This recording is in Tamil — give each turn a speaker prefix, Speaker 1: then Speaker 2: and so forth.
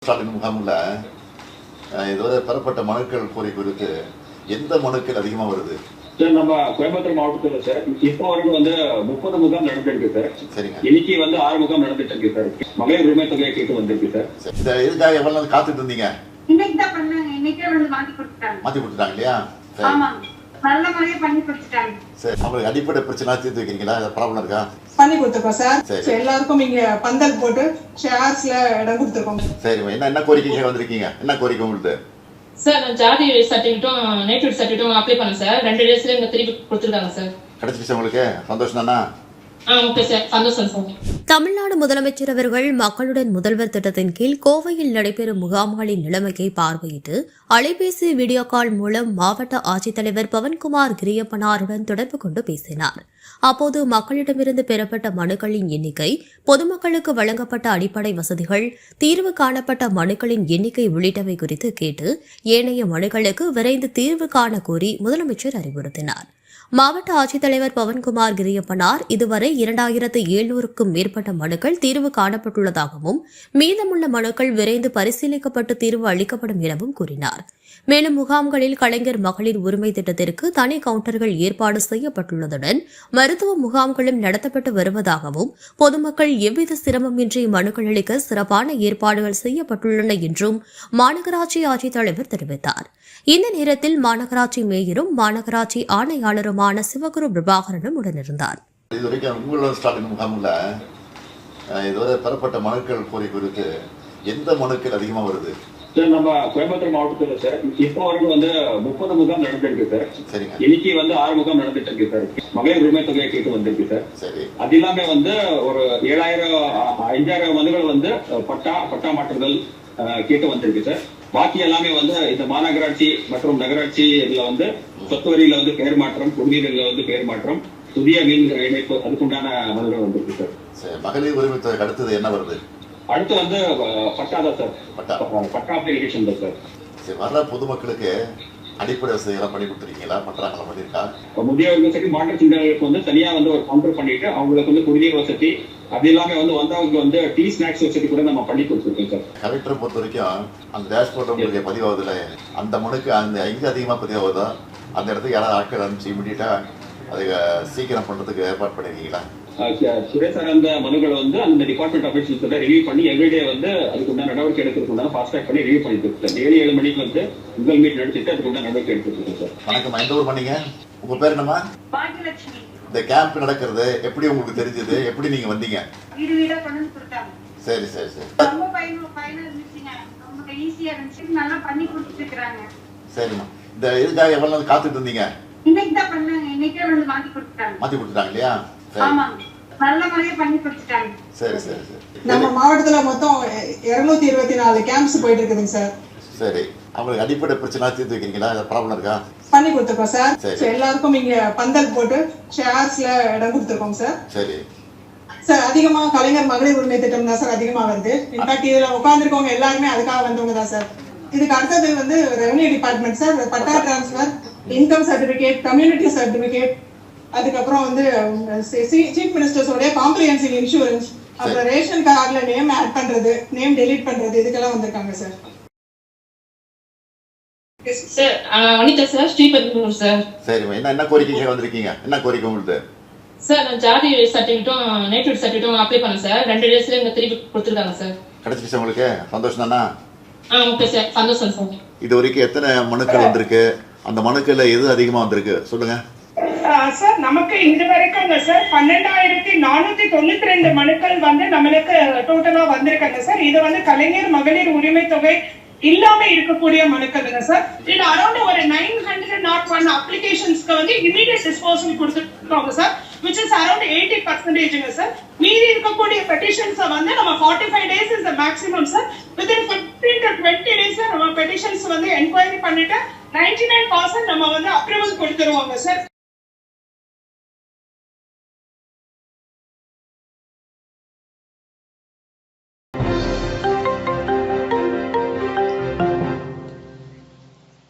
Speaker 1: ஸ்டாலின் முகாமில் இதுவரை பெறப்பட்ட மனுக்கள் கோரிக்கை குறித்து எந்த மனுக்கள் அதிகமாக வருது?
Speaker 2: சார், நம்ம கோயம்புத்தூர் மாவட்டத்தில் சார் இப்போ வரைக்கும் 30 முகாம் நடந்துருக்கு சார்.
Speaker 1: சரிங்க.
Speaker 2: இன்னைக்கு 6 முகாம் நடந்துட்டு இருக்கு சார். மகளிர் உரிமை தொகையை கேட்டு வந்திருக்கு சார்.
Speaker 1: இந்த இதுக்காக எவ்வளவு நாள் காத்துட்டு இருந்தீங்க?
Speaker 3: இன்னைக்கு தான் பண்ணாங்க. இன்னைக்கே வந்து மாத்தி கொடுத்துட்டாங்க
Speaker 1: இல்லையா?
Speaker 3: ஆமாங்க, நல்ல முறையா பண்ணி கொடுத்துட்டாங்க.
Speaker 1: சரி, உங்களுக்கு அடிப்படை பிரச்சனை தீர்த்து வைக்கிறீங்களா? ப்ராப்ளம் இருக்கா?
Speaker 4: பண்ணி கொடுத்துருக்கோம் சார். எல்லாருக்கும் இங்க பந்தல் போட்டு ஷேர்ஸ்ல இடம் கொடுத்துருக்கோம்.
Speaker 1: சரி, என்ன கோரிக்கை வந்திருக்கீங்க? என்ன கோரிக்கை உங்களுக்கு?
Speaker 5: சார், ஜாதி சர்டிஃபிகேட்டும் நேட்டிவ் சர்டிஃபிகேட்டும் அப்ளை பண்ணேன் சார். 2 டேஸ்ல எங்க திருப்பி கொடுத்துருக்காங்க சார்.
Speaker 1: கிடைச்சிச்சு உங்களுக்கு? சந்தோஷம் தானா?
Speaker 5: ஓகே சார், சந்தோஷம் சார்.
Speaker 6: தமிழ்நாடு முதலமைச்சர் அவர்கள் மக்களுடன் முதல்வர் திட்டத்தின் கீழ் கோவையில் நடைபெறும் முகாம்களின் நிலைமையை பார்வையிட்டு அலைபேசி வீடியோ கால் மூலம் மாவட்ட ஆட்சித்தலைவர் பவன்குமார் கிரியப்பனாருடன் தொடர்பு கொண்டு பேசினார். அப்போது மக்களிடமிருந்து பெறப்பட்ட மனுக்களின் எண்ணிக்கை, பொதுமக்களுக்கு வழங்கப்பட்ட அடிப்படை வசதிகள், தீர்வு காணப்பட்ட மனுக்களின் எண்ணிக்கை உள்ளிட்டவை குறித்து கேட்டு ஏனைய மனுக்களுக்கு விரைந்து தீர்வு காண கோரி முதலமைச்சர் அறிவுறுத்தினார். மாவட்ட ஆட்சித்தலைவர் பவன்குமார் கிரியப்பனார் இதுவரை 2700க்கும் மேற்பட்ட மனுக்கள் தீர்வு காணப்பட்டுள்ளதாகவும் மீதமுள்ள மனுக்கள் விரைந்து பரிசீலிக்கப்பட்டு தீர்வு அளிக்கப்படும் எனவும் கூறினார். மேலும் முகாம்களில் கலைஞர் மகளிர் உரிமை திட்டத்திற்கு தனி கவுண்டர்கள் ஏற்பாடு செய்யப்பட்டுள்ளதுடன் மருத்துவ முகாம்களும் நடத்தப்பட்டு வருவதாகவும் பொதுமக்கள் எவ்வித சிரமமின்றி மனுக்கள் அளிக்க சிறப்பான ஏற்பாடுகள் செய்யப்பட்டுள்ளன என்றும் மாநகராட்சி ஆட்சித்தலைவர் தெரிவித்தார். இந்த நேரத்தில் மாநகராட்சி மேயரும் மாநகராட்சி ஆணையாளருமான சிவகுரு பிரபாகரனும் உடனிருந்தார்.
Speaker 1: இதுவரைக்கும் உங்களோட ஸ்டாலின் முகாமில் இதுவரை பெறப்பட்ட மனுக்கள் கோரிக்கை குறித்து எந்த மனுக்கள் அதிகமாக வருது?
Speaker 2: சார், நம்ம கோயம்புத்தூர் மாவட்டத்தில் சார் இப்போ வரைக்கும் 30 முகாம் நடந்துருக்கு சார்.
Speaker 1: சரிங்க.
Speaker 2: இன்னைக்கு 6 முகாம் நடந்துட்டு இருக்கு சார். மகளிர் உரிமை தொகையை கேட்டு வந்திருக்கு சார்.
Speaker 1: சரி. அது
Speaker 2: இல்லாம ஒரு 5000 மனுகள் பட்டா மாற்றுதல் கேட்டு வந்திருக்கு சார். பாக்கி எல்லாமே இந்த மாநகராட்சி மற்றும் நகராட்சி இதுல சொத்து வரியில பெயர் மாற்றம், குடிநீர்ல பெயர் மாற்றம், புதிய மீன் இணைப்பு, அதுக்குண்டான மனுகள் வந்திருக்கு சார்.
Speaker 1: மகளிர் உரிமை தொகை அடுத்தது என்ன வருது?
Speaker 2: அடுத்து பட்டா தான் சார். பட்டா அப்ளிகேஷன் தான் சார்.
Speaker 1: சரி, வர்ற பொதுமக்களுக்கு அடிப்படை வசதி எல்லாம் பண்ணி கொடுத்துருக்கீங்களா? பண்றாங்களா? பண்ணிருக்கா?
Speaker 2: முதியவர்கள் சரி, மாற்றுத்திறனாளிகளுக்கு தனியா ஒரு கவுண்டர் பண்ணிட்டு அவங்களுக்கு குடிநீர் வசதி, அது இல்லாம வந்தவங்களுக்கு டீ ஸ்நாக்ஸ் வசதி கூட நம்ம பண்ணி கொடுத்துருக்கோம் சார்.
Speaker 1: கலெக்டரை பொறுத்த வரைக்கும் அந்த டேஷ்போர்ட் உங்களுக்கு பதிவாகுதுல, அந்த மனுக்கு எங்க அதிகமா பதிவாகுதோ அந்த இடத்துக்கு யாராவது ஆட்கள் அனுப்பிச்சு இமீடியட்டா அதை சீக்கிரம் பண்றதுக்கு ஏற்பாடு பண்ணிருக்கீங்களா?
Speaker 2: துறை சார்ந்த மனுக்களை அந்த டிபார்ட்மெண்ட் ஆஃபீஸர்ஸ் ரிவ்யூ பண்ணி எவ்ரிடே அதுக்குண்டான நடவடிக்கை எடுக்கிறதுக்கு ஃபாஸ்ட் ட்ராக் பண்ணி ரிவ்யூ பண்ணிட்டு இருக்கோம். டெய்லி 7 மணிக்கு உங்கள் மீட் நடத்திட்டு அதுக்குண்டான நடவடிக்கை எடுத்துருக்கோம் சார்.
Speaker 1: வணக்கம், எந்த ஊர் பண்ணீங்க? உங்க பேர் என்னமா?
Speaker 3: பாக்கியலட்சுமி.
Speaker 1: இந்த கேம்ப் நடக்கிறது எப்படி உங்களுக்கு தெரிஞ்சது? எப்படி நீங்க வந்தீங்க?
Speaker 3: வீடு வீடா கொண்டு கொடுத்தாங்க.
Speaker 1: சரி சரி சரி.
Speaker 3: ரொம்ப பயனா இருந்துச்சுங்க. ரொம்ப ஈஸியா இருந்துச்சு. நல்லா பண்ணி கொடுத்துட்டு இருக்காங்க.
Speaker 1: சரிம்மா. இந்த இதுக்காக எவ்வளவு நாள் காத்துட்டு இருந்தீங்க?
Speaker 3: இன்னைக்கு தான் பண்ணாங்க. இன்னைக்கே வந்து மாத்தி கொடுத்துட்டாங்க.
Speaker 1: இல்லையா?
Speaker 3: ஆமாங்க, நல்ல முறையா பண்ணி கொடுத்துட்டாங்க.
Speaker 1: சரி சரி சரி.
Speaker 4: நம்ம மாவட்டத்துல மொத்தம் 224 கேம்ப்ஸ் போயிட்டு இருக்குதுங்க சார்.
Speaker 1: சரி, அவங்களுக்கு அடிப்படை பிரச்சனை தீர்த்து வைக்கிறீங்களா? ப்ராப்ளம் இருக்கா?
Speaker 4: பண்ணி கொடுத்துருக்கோம் சார். எல்லாருக்கும் இங்க பந்தல் போட்டு ஷேர்ஸ்ல இடம் கொடுத்துருக்கோம் சார்.
Speaker 1: சரி
Speaker 4: சார், அதிகமா கலைஞர் மகளிர் உரிமை திட்டம் தான் சார் அதிகமா வருது. இன்ஃபேக்ட் இதுல உட்கார்ந்துருக்கவங்க எல்லாருமே அதுக்காக வந்தவங்க தான் சார். இதுக்கு அடுத்தது revenue department sir. Patta transfer, income certificate, community certificate, அதுக்கப்புறம் சீஃப் மினிஸ்டர்ஸோட காம்ப்ரிஹென்சிவ் இன்சூரன்ஸ், அப்புறம் ரேஷன் கார்டுல நேம் ஆட் பண்றது, நேம் டெலீட் பண்றது, இதுக்கெல்லாம் வந்திருக்காங்க sir.
Speaker 5: Sir, Vanitha sir, Sriperumbudur sir.
Speaker 1: சரிம்மா, என்ன கோரிக்கை வந்திருக்கீங்க? என்ன கோரிக்கை உங்களுக்கு?
Speaker 5: சார், ஜாதி சர்டிஃபிகேட்டும் நேட்டிவ் சர்டிஃபிகேட்டும் அப்ளை பண்ணேன் சார். 2 டேஸ்ல எங்க திருப்பி கொடுத்துருக்காங்க சார்.
Speaker 1: கிடைச்சிச்சு உங்களுக்கு? சந்தோஷம் தானா?
Speaker 5: ஓகே சார், சந்தோஷம் சார்.
Speaker 1: இது வரைக்கும் எத்தனை மனுக்கள் வந்திருக்கு? அந்த மனுக்கள்ல எது அதிகமா வந்திருக்கு சொல்லுங்க
Speaker 7: சார். நமக்கு இது வரைக்கும் சார் 12492 மனுக்கள் நம்மளுக்கு டோட்டலா வந்திருக்காங்க சார். இது கலைஞர் மகளிர் உரிமை தொகை இல்லாம இருக்கக்கூடிய மனுக்கள் சார். இது அரௌண்ட் ஒரு 901 அப்ளிகேஷன்ஸ்க்கு இமிடியேட் டிஸ்போசல் கொடுத்துருக்காங்க sir, which is around 80% sir. மீதி இருக்கக்கூடிய பெட்டிஷன்ஸ் நம்ம 45 days is the maximum sir. within 15 to 20 days நம்ம பெட்டிஷன்ஸ் என்கொயரி பண்ணிட்டு 99% நம்ம அப்ரூவல் கொடுத்துருவாங்க சார்.